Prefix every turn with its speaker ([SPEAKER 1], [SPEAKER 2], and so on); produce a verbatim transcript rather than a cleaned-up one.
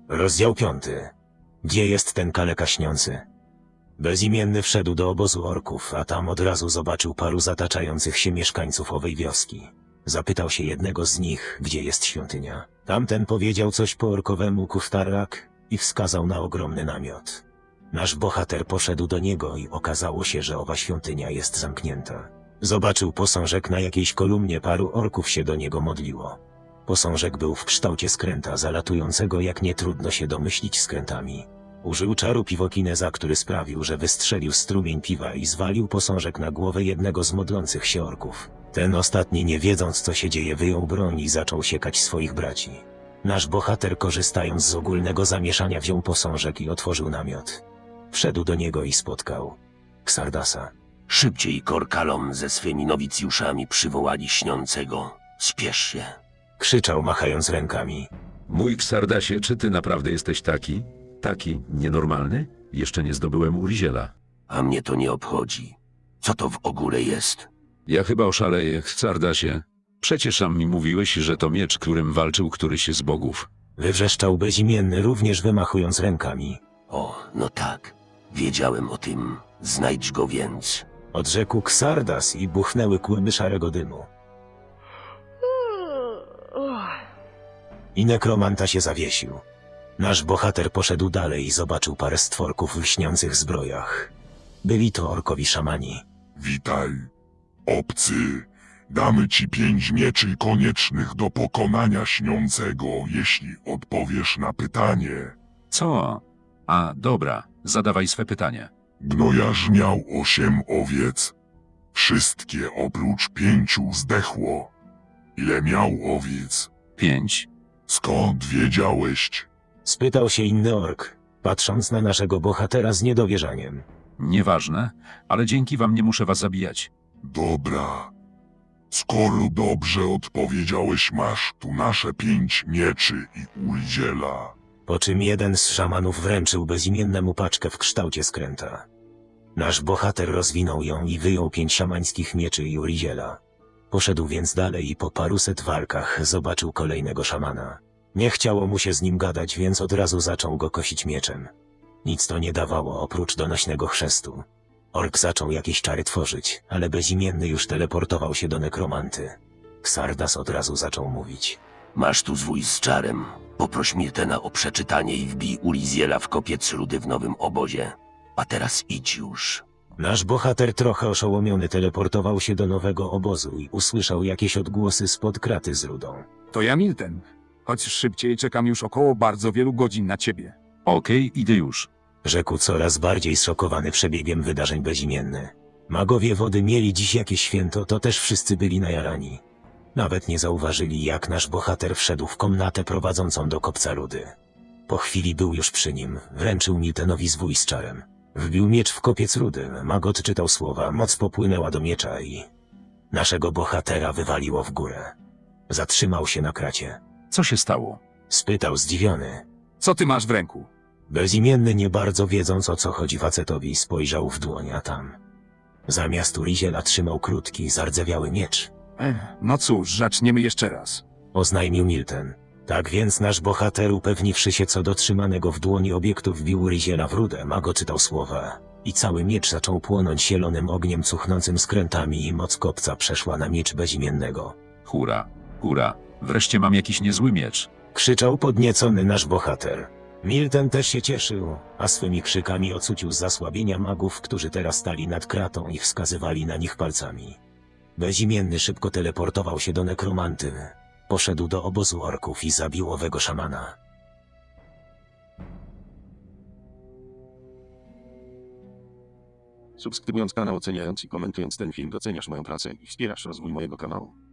[SPEAKER 1] Rozdział piąty. Gdzie jest ten kaleka śniący? Bezimienny wszedł do obozu orków, a tam od razu zobaczył paru zataczających się mieszkańców owej wioski. Zapytał się jednego z nich, gdzie jest świątynia. Tamten powiedział coś po orkowemu Kuftarrak i wskazał na ogromny namiot. Nasz bohater poszedł do niego i okazało się, że owa świątynia jest zamknięta. Zobaczył posążek na jakiejś kolumnie, paru orków się do niego modliło. Posążek był w kształcie skręta zalatującego, jak nie trudno się domyślić, skrętami. Użył czaru piwokineza, który sprawił, że wystrzelił strumień piwa i zwalił posążek na głowę jednego z modlących się orków. Ten ostatni, nie wiedząc co się dzieje, wyjął broń i zaczął siekać swoich braci. Nasz bohater, korzystając z ogólnego zamieszania, wziął posążek i otworzył namiot. Wszedł do niego i spotkał Xardasa.
[SPEAKER 2] Szybciej, Korkalom ze swymi nowicjuszami przywołali śniącego. Spiesz się.
[SPEAKER 1] Krzyczał, machając rękami.
[SPEAKER 3] Mój Xardasie, czy ty naprawdę jesteś taki? Taki nienormalny? Jeszcze nie zdobyłem Uriziela.
[SPEAKER 2] A mnie to nie obchodzi. Co to w ogóle jest?
[SPEAKER 3] Ja chyba oszaleję, Xardasie. Przecież sam mi mówiłeś, że to miecz, którym walczył któryś z bogów.
[SPEAKER 1] Wywrzeszczał bezimienny, również wymachując rękami.
[SPEAKER 2] O, no tak. Wiedziałem o tym. Znajdź go więc.
[SPEAKER 1] Odrzekł Xardas i buchnęły kłyby szarego dymu. I nekromanta się zawiesił. Nasz bohater poszedł dalej i zobaczył parę stworków w lśniących zbrojach. Byli to orkowi szamani.
[SPEAKER 4] Witaj, obcy. Damy ci pięć mieczy koniecznych do pokonania śniącego, jeśli odpowiesz na pytanie.
[SPEAKER 3] Co? A, dobra, zadawaj swe pytanie.
[SPEAKER 4] Gnojarz miał osiem owiec. Wszystkie oprócz pięciu zdechło. Ile miał owiec?
[SPEAKER 3] Pięć.
[SPEAKER 4] Skąd wiedziałeś?
[SPEAKER 1] Spytał się inny ork, patrząc na naszego bohatera z niedowierzaniem.
[SPEAKER 3] Nieważne, ale dzięki wam nie muszę was zabijać.
[SPEAKER 4] Dobra. Skoro dobrze odpowiedziałeś, masz tu nasze pięć mieczy i Uriziela.
[SPEAKER 1] Po czym jeden z szamanów wręczył bezimiennemu paczkę w kształcie skręta. Nasz bohater rozwinął ją i wyjął pięć szamańskich mieczy i Uriziela. Poszedł więc dalej i po paruset walkach zobaczył kolejnego szamana. Nie chciało mu się z nim gadać, więc od razu zaczął go kosić mieczem. Nic to nie dawało oprócz donośnego chrztu. Ork zaczął jakieś czary tworzyć, ale bezimienny już teleportował się do nekromanty. Xardas od razu zaczął mówić.
[SPEAKER 2] Masz tu zwój z czarem. Poproś Miltena o przeczytanie i wbij Uriziela w kopiec rudy w nowym obozie. A teraz idź już.
[SPEAKER 1] Nasz bohater, trochę oszołomiony, teleportował się do nowego obozu i usłyszał jakieś odgłosy spod kraty z rudą.
[SPEAKER 5] To ja, Milten. Chodź szybciej, czekam już około bardzo wielu godzin na ciebie.
[SPEAKER 3] Okej, idę już.
[SPEAKER 1] Rzekł coraz bardziej zszokowany przebiegiem wydarzeń bezimienny. Magowie wody mieli dziś jakieś święto, to też wszyscy byli najarani. Nawet nie zauważyli, jak nasz bohater wszedł w komnatę prowadzącą do kopca rudy. Po chwili był już przy nim, wręczył Miltenowi zwój z czarem. Wbił miecz w kopiec rudy, mag odczytał słowa, moc popłynęła do miecza i... naszego bohatera wywaliło w górę. Zatrzymał się na kracie.
[SPEAKER 3] Co się stało?
[SPEAKER 1] Spytał zdziwiony.
[SPEAKER 5] Co ty masz w ręku?
[SPEAKER 1] Bezimienny, nie bardzo wiedząc, o co chodzi facetowi, spojrzał w dłoń, a tam... zamiast Uriziela trzymał krótki, zardzewiały miecz.
[SPEAKER 5] Ech, no cóż, zaczniemy jeszcze raz.
[SPEAKER 1] Oznajmił Milten. Tak więc nasz bohater, upewniwszy się co do trzymanego w dłoni obiektu, wbił Uriziela w rudę, mag czytał słowa. I cały miecz zaczął płonąć zielonym ogniem cuchnącym skrętami i moc kopca przeszła na miecz bezimiennego.
[SPEAKER 3] Hura, hura, wreszcie mam jakiś niezły miecz.
[SPEAKER 1] Krzyczał podniecony nasz bohater. Milten też się cieszył, a swymi krzykami ocucił z zasłabienia magów, którzy teraz stali nad kratą i wskazywali na nich palcami. Bezimienny szybko teleportował się do nekromanty. Poszedł do obozu orków i zabił owego szamana.
[SPEAKER 6] Subskrybując kanał, oceniając i komentując ten film, doceniasz moją pracę i wspierasz rozwój mojego kanału.